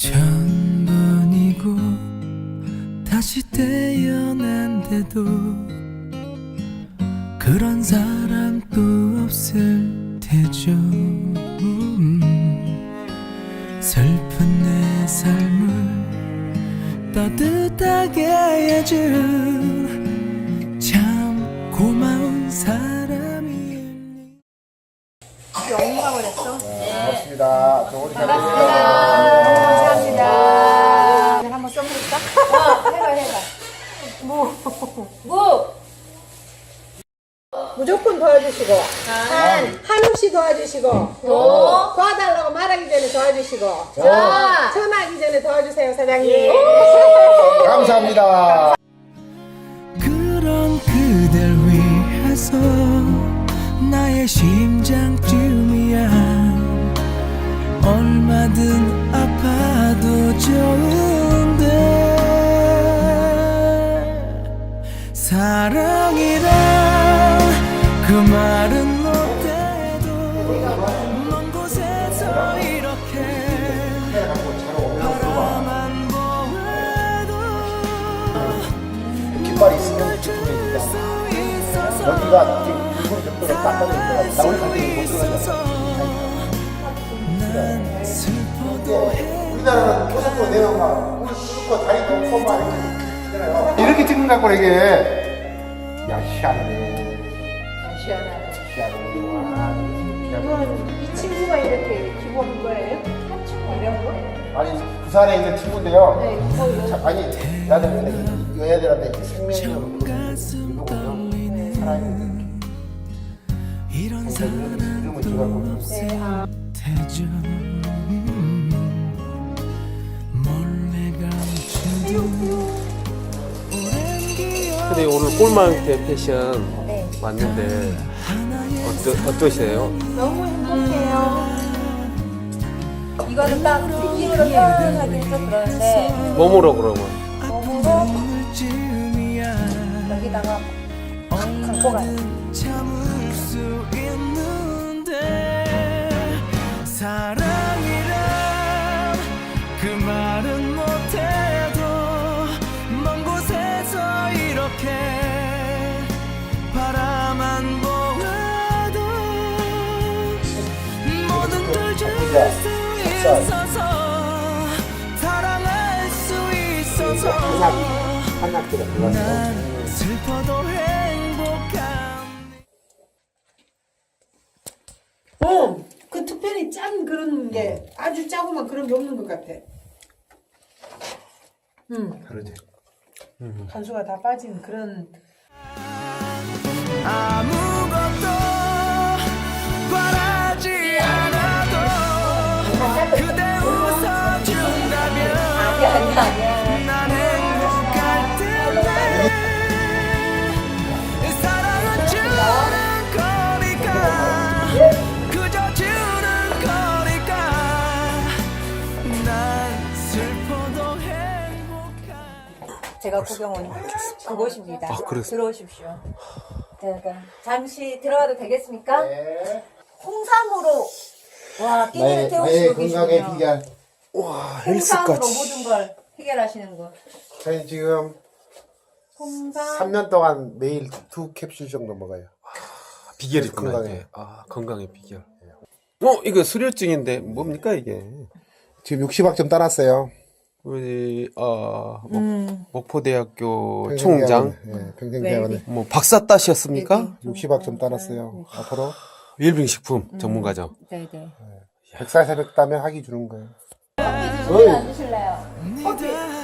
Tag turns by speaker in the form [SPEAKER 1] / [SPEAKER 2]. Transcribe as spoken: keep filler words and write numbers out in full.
[SPEAKER 1] 천번이고 다시 태어난데도 그런 사람 또 없을 테죠. 음, 슬픈 내 삶을 따뜻하게 해준 참 고마운 사람이.
[SPEAKER 2] 영감을 했어?
[SPEAKER 3] 네, 고맙습니다. 좋은 잘
[SPEAKER 2] 감사합니다. 한번 써볼까? 어, 해봐, 해봐. 무. 무.
[SPEAKER 4] 무조건 도와주시고 한 한없이 도와주시고 도 도와달라고 말하기 전에 도와주시고
[SPEAKER 2] 자.
[SPEAKER 4] 전화하기 전에 도와주세요 사장님.
[SPEAKER 3] 감사합니다.
[SPEAKER 1] 그런 그댈 위해서 나의 심장쯤이야 얼마든 아파도 좋은데 사랑이란 그 말은 못해도 먼 곳에서 이렇게 바라만 보아도
[SPEAKER 3] 깃발이 있으면 기쁨입니다. 여기가 일본 정도로 딱 받을 거라 나 우리 관계에 못 들어가잖아. 우리나라는 고속도로 내려가 고속도로 다리 넘고 막 이렇게 찍는 거 갖고 이게 야 희한하네.
[SPEAKER 4] 시원하다.
[SPEAKER 3] 희한하네.
[SPEAKER 4] 이건 이 친구가 이렇게 기부한 거예요? 한 친구 이런 거?
[SPEAKER 3] 아니 부산에 있는 친구인데요.
[SPEAKER 4] 네, 거기
[SPEAKER 3] 자, 아니 나는 이 애들한테 생명력을 이거보면 살아있는
[SPEAKER 1] 이런
[SPEAKER 3] 이름을 줘갖고
[SPEAKER 1] 태죠 몰래 감추는 오랜 기억
[SPEAKER 5] 근데 오늘 꼴망태 패션
[SPEAKER 2] 네.
[SPEAKER 5] 왔는데 어떠, 어떠세요?
[SPEAKER 2] 너무 행복해요. 이거는 딱 느낌으로 표현하기는 좀 그런데,
[SPEAKER 5] 몸으로 그러면
[SPEAKER 2] 몸으로
[SPEAKER 1] 오늘쯤이야
[SPEAKER 2] 여기다가 팍 갖고 가요.
[SPEAKER 1] 참을 수 있는데 사랑이란 그 말은 못해도 먼 곳에서 이렇게 바라만 보아도 모든 걸 줄 수 있어서 사랑할 수 있어서
[SPEAKER 3] 한약들을
[SPEAKER 1] 난
[SPEAKER 3] 불렀어요.
[SPEAKER 1] 슬퍼도 행복한
[SPEAKER 4] 어, 그 특별히 짠 그런 게 아주 짜고만 그런 게 없는 것 같아. 음,
[SPEAKER 3] 다르지.
[SPEAKER 4] 간수가 다 빠진 그런.
[SPEAKER 1] 아무것도 바라지 않아도 그대 웃어준다면
[SPEAKER 2] 아니야, 아니야, 아니야.
[SPEAKER 1] 난 행복할 텐데 사랑은 주는 거니까 그저 주는 거니까 난 슬퍼도 행복한
[SPEAKER 2] 제가 구경 온 그곳입니다.
[SPEAKER 5] 아, 그랬어요?
[SPEAKER 2] 들어오십시오. 제가 잠시 들어가도 되겠습니까?
[SPEAKER 3] 네.
[SPEAKER 2] 홍삼으로 와 끼니를
[SPEAKER 3] 나의, 나의
[SPEAKER 2] 태우시고
[SPEAKER 3] 건강의
[SPEAKER 2] 계시군요.
[SPEAKER 3] 비결.
[SPEAKER 5] 와
[SPEAKER 2] 홍삼으로 모든 걸 해결하시는 거.
[SPEAKER 3] 저희 지금
[SPEAKER 2] 홍삼.
[SPEAKER 3] 삼 년 동안 매일 두 캡슐 정도 먹어요.
[SPEAKER 5] 비결이 있구나
[SPEAKER 3] 건강해.
[SPEAKER 5] 이게. 아 건강의 비결. 어 이거 수료증인데 뭡니까 이게?
[SPEAKER 3] 지금 육십 학 점 따놨어요.
[SPEAKER 5] 우리 어 목,
[SPEAKER 2] 음.
[SPEAKER 5] 목포대학교 총장
[SPEAKER 3] 네, 평생대학원에
[SPEAKER 5] 뭐 박사 따셨습니까?
[SPEAKER 3] 육십 학 점 따놨어요. 앞으로
[SPEAKER 5] 일빙식품 전문가죠.
[SPEAKER 2] 네네.
[SPEAKER 3] 백 살 새벽 따면 학위 주는 거예요.
[SPEAKER 2] 커피 드실래요? 안 드실래요?
[SPEAKER 1] 네가